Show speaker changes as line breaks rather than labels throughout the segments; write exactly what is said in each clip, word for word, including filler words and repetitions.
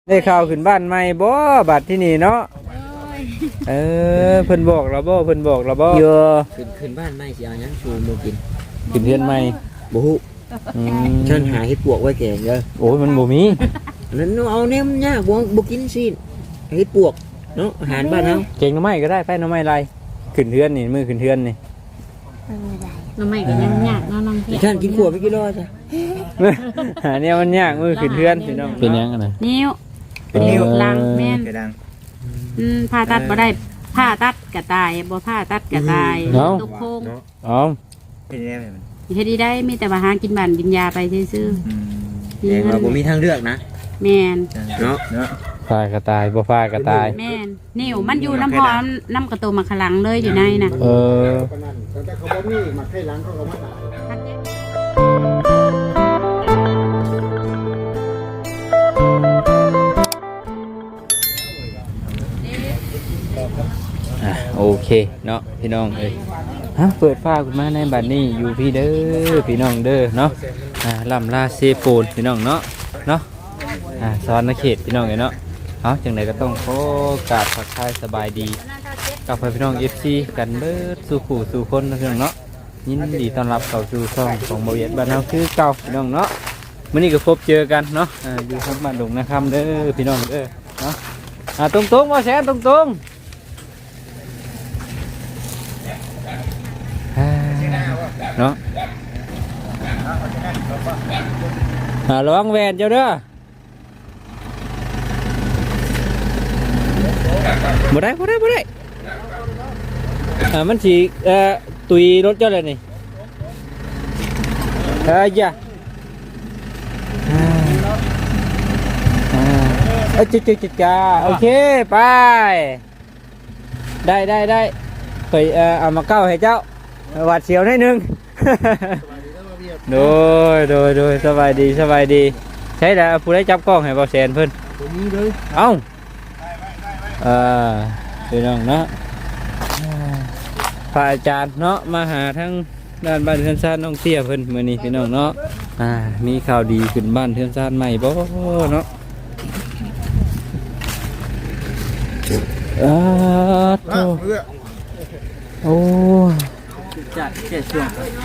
ได้ข่าวขึ้นบ้านใหม่บ่บัดที่นี่เนาะเออเพิ่นบอกเราบ่เพิ่นบอกเราบ่เยอะ
ขึ้นขึ้นบ้านไม่สิเอาหยังชูมือกิน
ขึ้นเรือนใหม่
บ่ฮู้
อืม
ฉันหาเฮ็ดปวกไว้แกงเด้อ
โอ้ยมันบ่มี
นั้นเอาแนมยากบ่บ่กินสิเฮ็ดปวกเนาะอาหารบ้านเฮา
เก่งหน่อไม้ก็ได้ไฟหน่อไม้ไรขึ้นเรือนนี่มือขึ้นเรือนนี่
น้ำใหม่ก็ยังยากเนาะน้องเพีย
ฉันกินขวดไปกี่รอบจ้ะ
หาเนี่ยมันยากมือขึ้นเรือนพี่น้องเป็นยังไง
นิ้ว
เป็นนิ้ว
ลังแม่น
กระดัง
อืมผ่าตัดบ่ได้ผ่าตัดกระตายบ่ผ่าตัดกระตายตกโค้ง
อ๋อ
เป็นยังไงมัน
เฮ็ดดีได้มีแต่ว่าหากินบ้านกินยาไปซื่อ
อืม
ๆ
แต่ว่าบ่มีทางเลือกนะ
แม่น
เนาะ
เนาะ
ฟากระตายบ่ฟากระตาย
แม่นนิ้วมันอยู่น้ำพอน้ำกระโตมาขลังเลยอยู่ในน่ะ
เอออ่ะโอเคเนาะพี่น้องเอ้ยฮะเปิดฟ้าขึ้นมาในบัดนี้อยู่พี่เด้อพี่น้องเด้อเนาะอ่าลำลาเซโปนพี่น้องเนาะเนาะอ่าสอนนักเขตพี่น้องเอ้ยเนาะเอาจังไดก็ต้องขอกราบทักทายสบายดีกับพี่น้อง เอฟ ซี กันเบิดสู่ผู้สู่คนนะพี่น้องเนาะยินดีต้อนรับเข้าสู่ช่องของบ่เวียดบ้านเฮาคือเก่าพี่น้องเนาะมื้อนี้ก็พบเจอกันเนาะอ่าอยู่ทางบ้านดงนะครับเด้อพี่น้องเด้อเนาะอ่าตรงๆบ่แซนตรงๆอ่าเนาะอ่าระวังแหวนเจ้าเด้อบ่ได้บ่ได้บ่ได้อ่ามันสิเอ่อตุยรถเจ้าเลยนี่เอ้ยอย่าอ่าอ่าเอ้ยจิ๊ดๆๆจ้าโอเคไปได้ได้ได้ไปเอ่อเอามาเก้าให้เจ้าหวาดเสียวนิดนึง โดยโดยโดยสบายดีสบายดีใช่แล้วผู้ได้จับกล้องให้เบาแสนเพิ่นเอ้าเออพี่น้องเนาะพระอาจารย์เนาะมาหาทั้งด้านบ้านเทือนซ่านน้องเตี้ยเพิ่นมื้อนี้พี่น้องเนาะอ่ามีข่าวดีขึ้นบ้านเทือนซ่านใหม่บ่เนาะอ่าโธ่โอ้จัดแค่ช่วง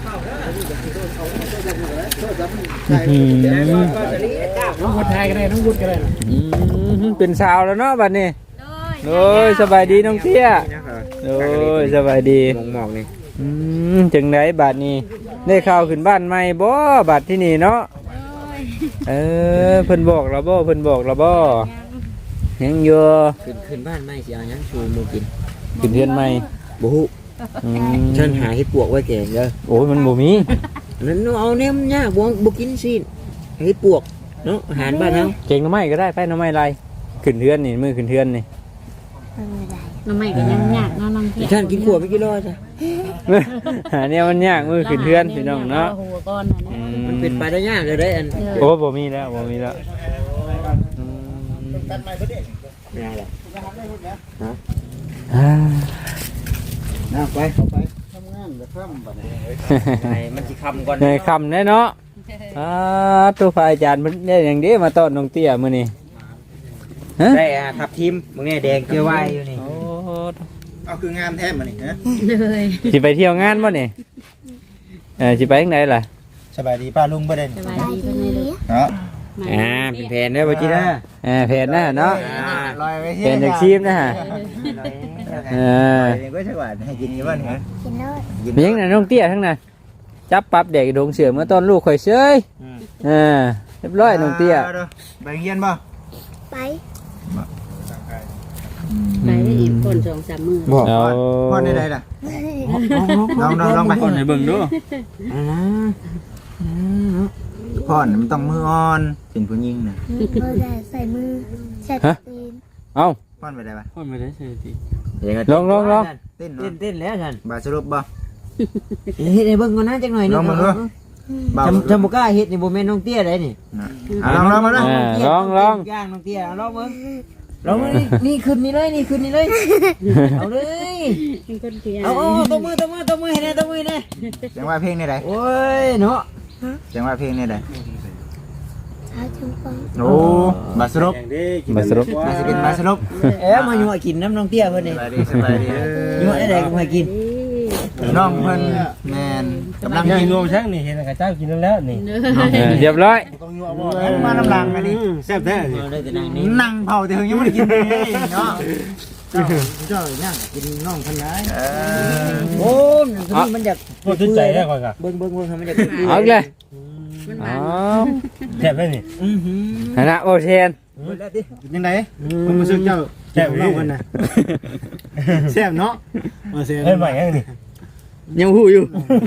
อืม
น้องวุฒิไทยก็ได้น้องวุฒิก็ได้
อืมเป็นสาวแล้วเนาะบัดนี้โอ้ยสบายดีน้องเตี้ยโอ้ยสบายดี
มองหมอกนี่
อืมจังไดบัดนี้ได้ข่าวขึ้นบ้านใหม่บ่บัดที่นี่เนาะเออเพิ่นบอกเราบ่เพิ่นบอกเราบ่ยังอยู่
ขึ้นขึ้นบ้านไม่สิเอาหยังชูมือกิน
ขึ้นเรือนใหม่
บ่ฮู้
อืม
ฉันหาเฮ็ดปวกไว้แกงเด้อ
โอ้ยมันบ่มี
นั้นเอาแนมยากบ่บ่กินสิเฮ็ดปวกเนาะอาหารบ้านเฮา
เก่งหน่อไม้ก็ได้ไฟหน่อไม้ไรขึ้นเรือนนี่มือขึ้นเรือนนี่
น้ำใหม่ก็ยังยากเนาะน้องเพีย
ฉันกินขวดไปกี่รอบจ้ะ
หาเนี่ยมันยากมือขึ้นเรือนพี่น้องเนาะ
หัวก้อน
อื
มันเป็นไปได้ยากเลยได้อัน
โอ้บ่มีแล้วบ่มีแล้วอืม
ไม่ได้หรอก
อ่า
นะไปเข้าไปทำงานจะค่ำบัดนี้ไอ้มันสิค่ำก่อน
ในคำแน่เนาะอ่าตัวฝ่ายอาจารย์มันได้อย่างนี้มาต้อนน้องเตี้ยมื้อนี้ฮะ
ได้อ่ะทับทิมมึงเนี่ยแดงเกลือไว้อยู่นี่
โอ้
เอาคืองามแท้มานี่ฮะ
เลย
สิไปเที่ยวงานบ่นี่เออสิไปทางไหนล่ะ
สบายดีป้าลุงประเด็น
สบายดีเพิ่นเลยลูก
เนาะ
อ่า
เป็นแผนได้บ่จีน่า
เออเพจนะเนาะ
ลอยไปที่
เป็นจากชีมนะฮะเออ
เด็กก็ใช่ว่าให้กินกี่วันฮะ
เมียงน่ะน้องเตี้ยทั้งนั้นจับปรับเด็กดงเสือเมื่อตอนลูกข่อยเชยเออเรียบร้อยน้องเตี้ย
ไปเรียนบ่
ไปได้อีกคนสองสามมื้อ
บอกพ่อได้ได้ล่ะลองลองลองไป
คนให้เบิ่งดู
พ่อมันต้องมืออ่อนเป็นผู้หญิงน่ะ
ใส่มือใส่ตีน
เอ้า
พ่อไปได้ปะ
คนไม่ได้เชยสิ
ล
ลองลองลอง
เต้น
เต้น
เนาะ
เต้นแล้วท่าน
บาสรุปบ่
เฮ็ดให้เบิ่งก่อนนะจักหน่อยนึ
ลองมาดูเบา
จำจำบ่กล้าเฮ็ดนี่บ่แม่นน้องเตี้ยได้นี่
ลองลองมาดู
อ่าลองลอง
ย่างน้องเตี้ยลองเบิ่งลองนี่นี่ขึ้นนี่เลยนี่ขึ้นนี่เลยเอาเลย
เป็นคนเพีย
เอาเอาตบมือตบมือตบมือให้แน่ตบมือให้แน่
จังว่าเพลงนี่ได้
โอ้ยเนาะ
จังว่าเพลงนี่ได้
พาถึงฟัง
โอ้บาสรุป
มาสรุป
มาสิกินบาสรุป
เอ๊ะมาอยู่มากินน้ำน้องเตี้ยเพิ่นนี่
สบายดีสบายดี
อยู่มาได้ก็มากิน
น้องเพิ่นแม่นกำลัง
ยัง
กิน
รวมช่างนี่เห็นกระเจ้ากินแล้วนี่
เด้
เอ
อ
อเรียบร้อย
มาน้ำลังอันนี้
แซ่บแท้นี่
ได้แต่นั่งนี่
นั่งเผาแต่ถึงยังไม่ได้กินเลยเนาะ
เจ้าเจ้านั่งกินน้องเพิ่นได้
เออ
โอ้มันมันอยาก
โคตรใจได้ก่อนกะ
เบิ่งเบิ่งเบิ่งมันอยาก
เอาอีกเลย
มันห
อ๋
วา
อน
แซ่บได้นี่
อื้อหือ
นะโอเชน
ยังไงผมรู้สึกเจ้าแซ่บน้องกันนะแซ่บเนาะเฮ้ยใหม่ยังนี่
ยังหูอยู่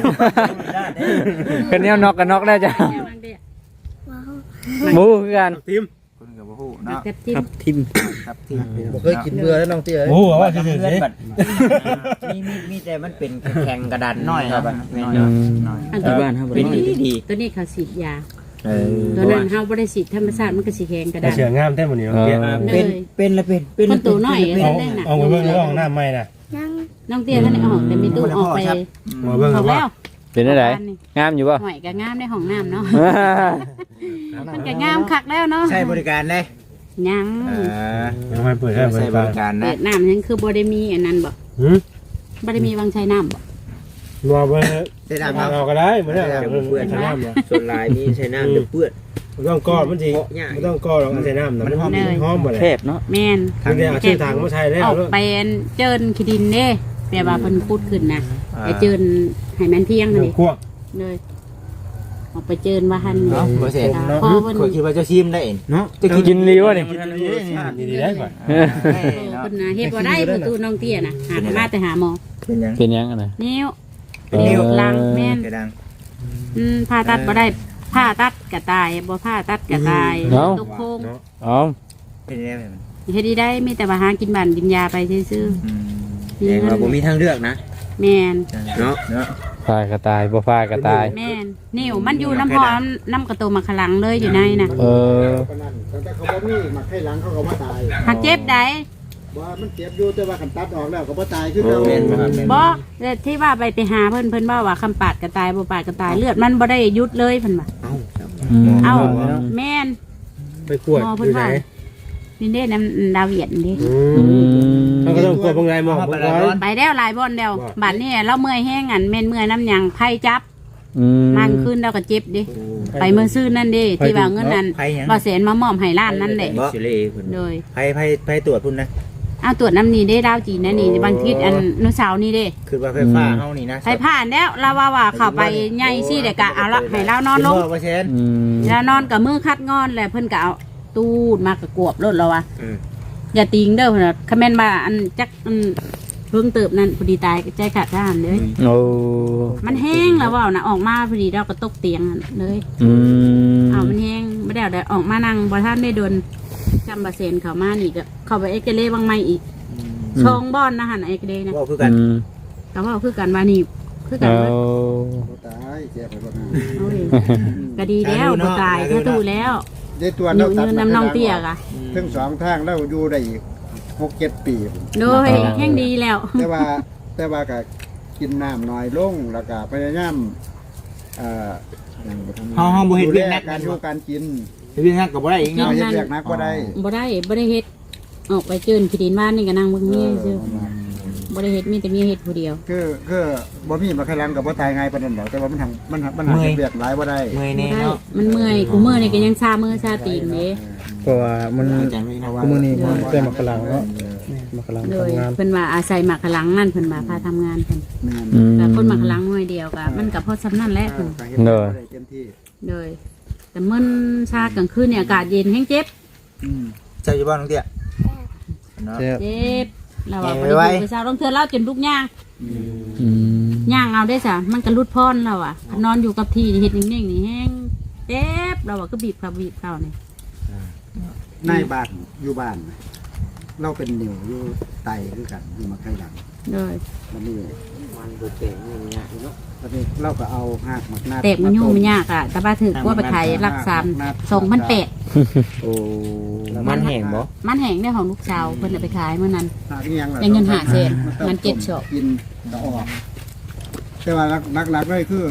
กันเนี้ยน็อกกันน็อกได้จ้ะ
ว้าว
หมูคือกัน
ทีม
คุณกับผู้เนาะ
กับทิม
ทิม
ครับที่
บ่เคยกินเบื่อแล้วน้องเตี้ย
โอ้ว่าจะเฉย
มีมีมีแต่มันเป็นแข็งกระดาน
น้อยครับ
แม่น
น้อย
เนาะ
น้อย
อัน
ที่
ตัว
บ้านเฮาเป็นดีดี
ตัวนี้เขาฉีดยา
เออ
ตัวนั้นเฮาบ่ได้ฉีดธรรมชาติมันก็สิแข็งกระ
แต่
ดาน
เสืองามแท้หมดนี่เนาะ
เป็นเป็นละเป็นเป็น
คนตัวน้อย
เอาเอาไปเบิ่งห้องน้ำใหม่น่ะ
ยัง
น้องเตี้ยท่านได้ออกแต่มีตู้ออกไป
มาเบิ่ง
ออก
ว่า
แล้ว
เป็นอะไรงามอยู่ป่ะ
หอยก็งามในห้องน้ำเนาะมันก็งามคักแล้วเนาะ
ใช้บริการได้
ยัง
เออ
ยังไม่เปิดให้บ
ใช้
ริ
บ
การ
ริการ
เปิ
นะ
ดน้ำยังคือบ่ได้มีอันนั้นบ่
หืม
บ่ได้มีวังชัยน้ำบ่
รอไป
ได้น้ำ
เอาก็ได้เหมือนเดิม
เปื้อน
ใช้น้ำบ่
ส่วนลายนี่ใช้น้ำเดือเปื้อน
ไม่ต้องก้อนมันสิไม่ต้องก้อนหรอกใช้น้ำนะมันหอมหอมหมดเลย
เทพเนาะ
แม่น
ทางเดียวชื่อทางมาใช้ได้
ออกไปเจินขี้ดินเด้แปลว่าเพิ่นพูดขึ้นนะไปเจินให้มันเที่ยง
เดี๋
นี่
ยวคั่ว
เลยออกไปเจินว่าหั่น
เนาะบ่เสร็จ
พอเพิ่น
ข่อยคิดว่าจะชิมได้เอง
เนาะ
จะกินรีวะนี่
ดีได้ก่อน
เออ
เพิ่นน่ะเฮ็ดบ่ได้ประตูน้องเตี้ยน่ะหามาแต่หาหมอ
เป็นยัง
เป็นยังไง
นิ้ว
เออ
นิ้วลังแม่น
กระดัง
อืมผ่าตัดบ่ได้ผ่าตัดก็ตายบ่ผ่าตัดก็ตายตกโคง
อ๋อ
เป็นยังไงมัน
เฮ็ดดีได้มีแต่ว่าหากินบ้านกินยาไปซื่อ
อืม
ๆ
แต่ว่าผมมีทางเลือกนะ
แม่น
เนาะ
เนาะ
ฟากระตายบ่ฟากระตาย
แม่นนิ้วมันอยู่น้ำพอน้ำกระโตมาขลังเลยอยู่ในน่ะ
เออ
แต่เขาบอกนี่มาให้หลังเขาก็มาตาย
หักเจ็บได้
ว่ามันเจ็บอยู่แต่ว่าขันตัดออกแล้วก็บ่ตายคือเรา
แม่นบ่ครับแม่น
บ่แต่ที่ว่าไปไปหาเพิ่นเพิ่นว่าว่าคำปาดก็ตายบ่ปาดก็ตายเลือดมันบ่ได้หยุดเลยเพิ่นว่า
อืม
เอ้าแม่น
ไปขวดอยู่ไหน
นี่เด้น้ำดาวเวียดนี่
อืมเขาก็ต้องขวดบางไงมองบางไง
ไปแล้วหลายบ่อนแล้วบัดนี้เราเมื่อยแห้งอันแม่นเมื่อยน้ำหยังไผจับ
อืม
มันขึ้นแล้วก็เจ็บดิไปเมื่อซื้อนั่นเด้ที่ว่าเงินนั้น
ไผยัง
บ่แสนมามอบให้ร้านนั่นแหละ
บ่สิเลคุณ
โดย
ไผไผไผตรวจพุ่นนะ
เอาตรวจน้ำนี่เด้ดาวจีนนั่นนี่บางทีอันนุสาวนี่เด้
คือว่าไฟฟ้าเฮานี่นะ
ใช้ผ่านแล้วเราว่าว่าเข้าไปใหญ่ซี่เด็กกะเอาละให้เรานอนลง
เปอร์เซ็นต์
อืม
แล้วนอนกับมือคัดงอนแล้วเพิ่นก็เอาตูดมากระกวบรถเราว่ะ
อืม
อย่าติงเด้อเพิ่นน่ะคอมเมนต์มาอันจักอันเพิ่งเติบนั่นพอดีตายใจขาดทหารเลย
โอ้
มันแห้งแล้วว่าน่ะออกมาพอดีเราก็ตกเตียงนั่นเลย
อืม
เอามันแห้งบ่ได้เอาได้ออกมานั่งบ่ทันได้โดนจำบาเซนเข้ามานี่ก็เข้าไปเอ็กซเรย์บางไม่อีกชองบ่อนนะหั่นเอ็กซเรย์นะ
ว่าคือกัน
อืม
ก็ว่าคือกันว่านี่คือกัน
เอา
ว่า
บ่ตายเจ็บไปบ่นาน
โอ้ยก็ดีแล้วบ่ตายแค่ตู้แล้ว
ได้ตัว
อ
เรา
ยู่
ตัด
ยืนน้ำน้องเตี้ยกะ
ถึงสองทางแล้วอยู่ได้อีกหกเจ็ดปี
โดยแห้งดีแล้ว
แต่ว่าแต่ว่าก็กินน้ำน้อยลงแล้วก็พยายามเอ่อ
เฮาเฮาบ่เฮ็ด
ดู
เวีย
แล
กนัก
การอยู่การกิน
เวียกนักก็บ่ได้อีก
เนาะ
เนาะ
เฮ็ดเวียกนักก็ได้
บ่ได้บ่ได้เฮ็ดออกไปเจินขี้ดินบ้านนี่ก็นั่งเบิ่งเมียซื่อบ่ได้เฮ็ดมีแต่เมียเฮ็ดผู้เดียว
คือคือบ่มีมาใครลังกับบ่ตายง่ายปานนั้นดอกแต่ว่ามันทำมันมันหาเฮ็ดเวียกหลายบ่ได้
เมื่อย
บ่
แน่
ได้
เนาะ
มันเมื่อยกูเมื่อยนี่ก็ยังชามือชาตีนเด้
เพราะว่ามัน
เพราะว่า
มือนี้มันแต่มากระลังเนาะมากระลัง
โดย
ทำงาน
เพิ่นว่าอาศัยหมักขลังนั่นเพิ่นว่าพาทำงานเพิ่น
แม่น
อืม
แต่คนหมักขลังหน่วยเดียวก็มันก็พอสำนั่นแหละเพิ่น
ก็เฮ็ดบ่ได้เต็มที่
โดยแต่มื้อชากลางคืนเนี่ยอากาศเย็นแห้งเจ็บ
อืม
เจ้าอยู่บ้านน้องเตี้ยเนาะ
เจ็บ
เจ็บเราว่า
เจ็
บ่
บไว้
ได้อยู่กับสาวต้องเทื่อเล่าจนทุกอย่าง
อืม
ย่างเอาได้ซะมันก็รุดพรเราอ่ะนอนอยู่กับที่นี่เฮ็ดนิ่งๆนี่แห้งเจ็บเราอ่ะก็บีบเขาบีบเขานี่
นายบ้านอยู่บ้าน เราเป็นนิ้วอยู่ไตคือกันอยู่มาใครหลัง
โดย
มันนี่
มันบ่เต็มนี่ยากเนาะ
ตอนนี้เราก็เอาหากหมักนาด
เตะมันยุ่งมันยากอ่ะแต่ว่าถือว่าไปไทยรักษาสองพันแปด
โอ้มันแห้งบ่
มันแห้งได้ของลูกสาวเพิ่นเอาไปขายเมื่อนั้น
หากอีหยังล่ะ
ได้เงินห้าแสน
ต้อง
มันเจ็ด
ต้
ช็อป
กินก็ออก แต่ว่านักนักๆเลยคือ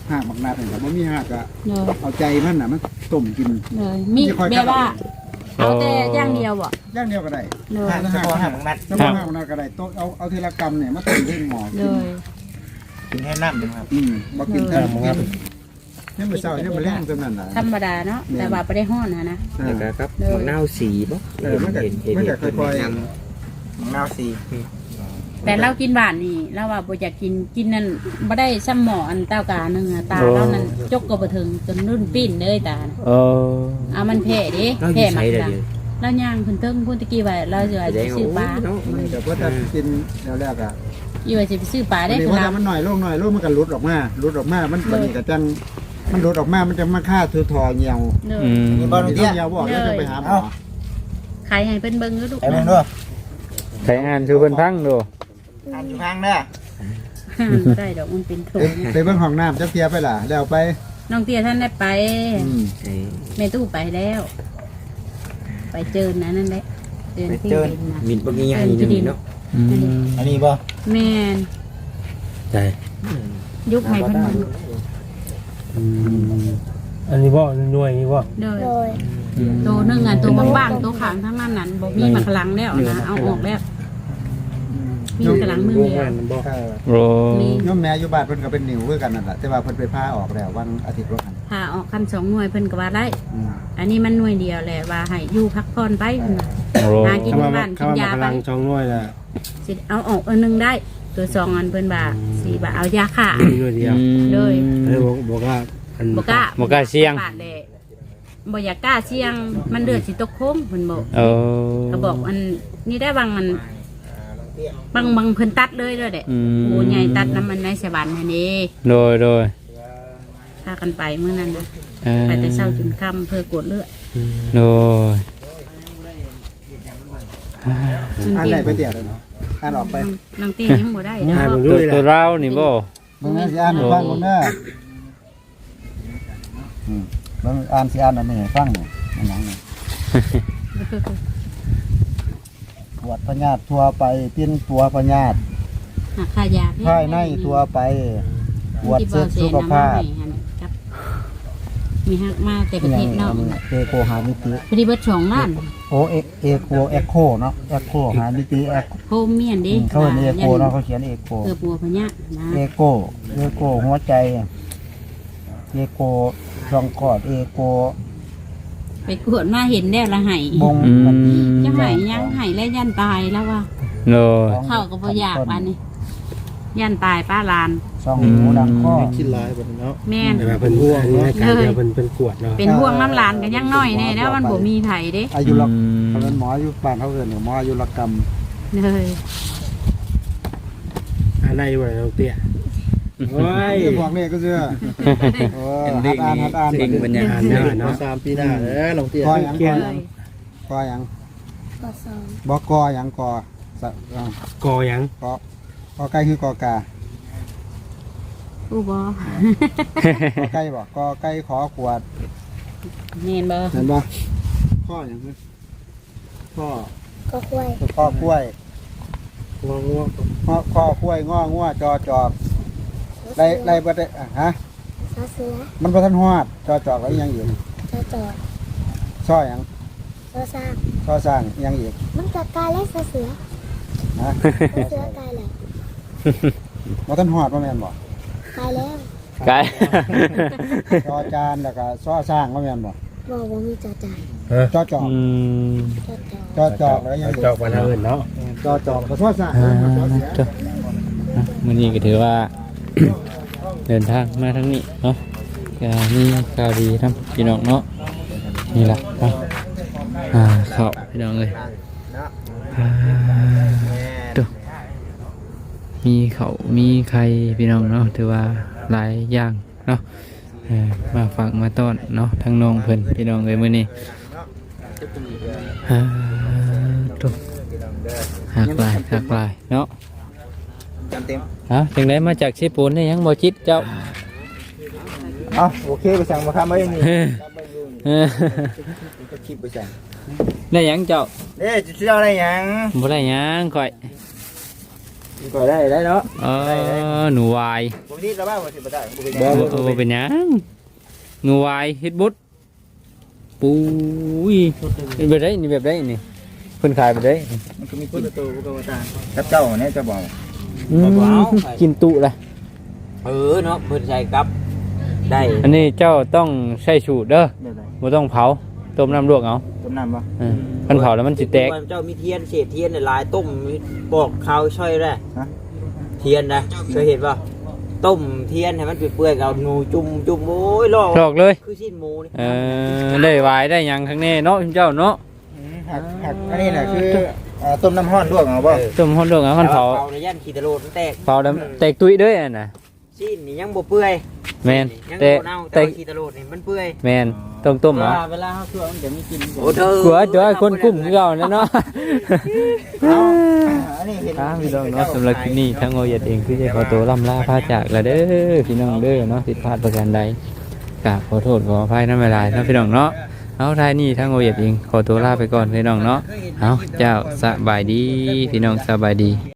หากบักนาดนี่ก็บ่มีหากก็
เลย
เอาใจมันน่ะมันต้มกิน
เลยมีแบบว่าเอาแต่อย่างเดียวบ่
อย่างเดียวก็ได้
เลย
หากหากหากบักนาดถ้าบ่หากบักนาดก็ได้ต้มเอาเอาทีละกำเนี่ยมาต้มด้วยหม้อ
เลย
กินแค่น้ำครับ
อืมบ่กินแท้บ่กินยังมื้อเช้ายังบ่แรงซำนั้นน่ะ
ธรรมดาเนาะแต่ว่าบ่ได้ฮ้อนนะนะ
แล้วก็ครับมะนาวสีบ่
เออมันก็มันก็ค่อย
น้ำน้ำสี
แต่เรากินหวานนี่เราว่าบ่อยากกินกินนั่นบ่ได้ซ้ำหมออันเต้ากานึงอะตาเรานั่นจกก็บ่ถึงจนรุ่นปิ้นเลยตาน่ะ
เออ
เอามันแพ้ดิ
เราอ
แพ้
ยู่
มั
ใช้
ก
ได้
ดัง
เดียว
แล้วย่างขึ้นเทิงพุ่นตะกี้ว่าเราสิว่า
แสด
สิ
ง
ซื้อปลา
เนาะ
ๆมันก็บ่ถ้ากินแล้วแรกอ่ะ
อยู่ว่าสิไปซื้อปลาได้
ได้
คือ
ว่า
เรา
มันหน่อยลงหน่อยลงมันก็หลุดออกมาหลุดออกมามันปานนี้ก็จังมันหลุดออกมามันจะมาฆ่าทือทอเหี่ยว
เด้อ
อืม
มีบ่เหี่ยวบอกแล้วจะไปหาหมอ
ขายให้เพิ่นเบิ่งก็ดู
ไอ้เบิ่งด้วย
ใช้อ่านชูเพิ่นพังดู
อ่านอยู่ข้างเด้อ
บ่ได้ดอกมันเป็นถุง
ไปเบิ่งห้องน้ำจักเทียไปล่ะแล้วไป
น้องเตี้ยท่านได้ไป
อืม
ไอ้
แม่ตู้ไปแล้ว ไปเจินนะนั่นแหละเจินที่ดินนะ
มินบ่มีใหญ่นึงเนาะ
อืม
อันนี้บ่
แม่น
ใช่
ยุคใหม่เพิ่นมา
อันนี้บ่หน่วยนี่บ่
เด้อ
โดย
ตัวหนึงอ่ะตัวบางๆตัวขางทั้งนั้นนั่นบ่มีมาขลังแล้วนะเอาออกแล้วมีขลังมือเดียว
เออ
โร
มี
โยมแม่อยู่บ้านเพิ่นก็เป็นนิ้วคือกันนั่นแหละแต่ว่าเพิ่นไปพาออกแล้ววันอาทิตย์ว่ากัน
ถ้าออกคันสองหน่วยเพิ่นก็ว่าได้
อืม
อันนี้มันหน่วยเดียวแหละว่าให้อยู่พักผ่อนไปเพิ่นน่ะ
โร
หากิน
คำว่า
บ้านกิน
คำว่าย
า
พ
ไป
ลังช่องหน่วยน่ะ
สิเอาออกอันหนึงได้ ตัวสองอันเพิ่นว่าสิว่าเอายาฆ่า
มีหน่วยเดียว
เลย
เลยบอกบอกว่าอัน
บ่กล้า
บ่กล้าเสี่ยง
ปาดแหละบ่อยากกล้าเสี่ยงมันเลือดสิตกโค้งเพิ่นบอก
เออ
ก็บอกอันนี่ได้บางอันบางบางเพิ่นตัดเลยเด้อเด้
อืม
โอ้ใหญ่ตัดน้ำมันในสวรรค์นั่นเด้
โดยโดย
พากันไปมื้อนั้นนะ
เออ
ไปแต่เช้าจนค่ำเพื่อกวดเลือด
โดย
อ่านได้ไปเตียเลยเนาะอ่านออกไป
นางเตี้ยยังบ่ได้
อ่าน
เนาะ
บ่
ตัว
ด้วย
ตัว
ล่ะ
เรานี่บ่
เบิ่งสิอ่านให้ฟังก่อนเด้ออืมเบิ่งอ่านสิอ่านอันนี้ให้ฟังนี่อันหยังนี่ปวดพยาธิทั่วไปปิ้นตัวพยาธิ
หาค่ายา
ภายในทั่วไปปวด
ที่
เส้นสุขภาพ
ที่บ่เสียน้ำมันให้หั่นครับ มีฮักมาแต่ประเทศนอก
เอโคหามิติ
พอดีเบิดสองล้าน
โอเอเอโคเอ็กโคเนาะเอ็กโคหามิติเอ็ก
โฮมเมียนเดิ
เขาเรียนเอโคเนาะเขาเขียนเอโค
เออปัวพญะนะ
เอโกเอโกหัวใจเอโกช่องกอดเอโก
ไปกวดมาเห็นแล้วละไห้
บง
อืม
จะไห้ยังไห้แล้วยันตายแล้วว่า
โดย
เข้าก็บ่อยากปานนี้ยันตายป้าลาน
ช่องหูดังข้อ
คิดหลายบัดเนาะ
แม่น
แต่ว่าเพิ่นห่วงเนาะการเดียวเพิ่นเพิ่นกวดเนาะ
เป็นห่วงน้ำลานกันยังน้อยแน่แล้วมันบ่มีไผเด้
อายุรเขาเป็นหมออายุบ้านเขาเกิดหมออายุรกรรม
เลย
อันไหนบ่น้องเตี้ยโอ้ย
จะบอกเลขก็เชื่อโอ้ฮัดอ่านฮัดอ่าน
สิ่งบรรยากาศ
อ่านเนาะ
สามปีหน้าเด้อลงเตี้ยกอยังกอยังกอยัง
กอสอง
บอกกอยังกอสะอ่าก
อหยัง
กอกอไก่คือกอกา
อู้บ่
กอไก่บอกกอไก่ขอขวด
แม่นบ่
เห็นบ่ข้ออย่างนี้ข้อ
ก็กล้วย
ข้อกล้วย
งองัว
ข้อข้อกล้วยง้องัวจอจอบไล่ไล่บ่ได้อ่ะฮะ
ซอเสือ
มันบ่ทันฮอดจอจอบแล้วยังอีก
จอจอด
ซ้อหยัง
ซอสร้าง
ซ้อสร้างยังอีก
มันจะกลายแล้วซอเสือ
ฮะ
ซอเสือกลายแล้ว
บ่ทันฮอดบ่แม่นบ่
กลายแล้ว
ไกล
จอจานแล้วก็ซ้อสร้างบ่แม่นบ่
บอกว่ามีจอจาน
จอจอบ
อืม
จอจอด
จอจอบแล้วยังอีก
จอกวันอื่นเนาะ
จอจอบก็ซ้อสร้าง
อ่า
ซ้อเสีย
จ้ะอ่ะมื้อนี้ก็ถือว่า เดินทางมาทางนี้เนาะก็มีข่าวดีทำพี่น้องเนาะนี่ล่ะเนาะอ่าเข้าพี่น้องเอ้ยอ่าดูมีเขาวมีไข่พี่น้องเนาะถือว่าหลายอย่างเนาะเออมาฝากมาต้อนเนาะทั้งน้องเพิ่นพี่น้องเอ้ยมื้อนี้อ่าดูหักหลายหักหลายเนาะ
จำเต็ม
ฮะจังไดมาจากเชปูนได้ยังบ่จิตเจ้า
เอาโอเคไปสั่งมาครับไม่มี
เออ
ก็คลิปไปสั่ง
ได้ยังเจ้า
เด้จะเชื่ออะไรยัง
บ่ได้ยังข่อย
ก็ได้ได้เนาะ
เออหนูวาย
ผมนี่ระบ้าว่าสิบ่ได้บ่เป็น
โอ้โอ้เป็นหยังหนูวายเฮ็ดบุดปุ้ยเป็นแบบไรนี่แบบไรนี่เพิ่นขายแบบไร
มันก็มี
คนละตัวก็ว่าตา
กับเจ้าเนี่ยจะบอก
อืมกินตุละ
เออเนาะเพิ่นใส่กับได้
อันนี้เจ้าต้องใช้สูตรเด้อ
เดี๋ยวไหน
บ่ต้องเผาต้มน้ำลวกเอา
ต้มน้ำปะ
เออคันเผาแล้วมันสิแตก
เจ้ามีเทียนเศษเทียนเนี่ยลายต้มบอกข้าวช่อยได้เทียนนะเคยเห็นป่ะต้มเทียนให้มันเปื่อยๆเอาหนูจุ่มจุ่มโอ้ยลอก
ลอกเลย
คือชิ้นหมูนี่
เออได้วายได้หยังข้างในเนาะเจ้าเนาะ
หักหักอันนี้น่ะคืออ่าต้มน้ำห้อนลวกเอาป่ะ
ต้มฮ้อนลวกเอาคันเผา
เผาในย่านขีดตะโลดมันแตก
เผาแล้วแตกตุ้ยเด้ออันน่ะ
ชิ้นนี่ยังบ่เปื่อย
แม่น
ยัง
แต่
บ่เน่า
แต่
แต่ขีดตะโลดนี่มันเปื่อย
แม่นต้องต้มเอา
เวลาเฮาคั่วมันจะมีกลิ่นโอ้เธอก
ลัวเจ้าคนกุ้มคือเก่านั่นเนาะ
เอาอันนี้เห็น
ครับพี่น้องเนาะสำหรับคลิปนี้ทั้งโอเยดเองคือจะขอตัวล่ำลาพาจากแล้วเด้อพี่น้องเด้อเนาะผิดพลาดประการใดกราบขอโทษขออภัยน้ำเวลาเนาะพี่น้องเนาะเอาท้ายนี้ทั้งโอเยดเองขอตัวลาไปก่อนพี่น้องเนาะเอาเจ้าสบายดีพี่น้องสบายดี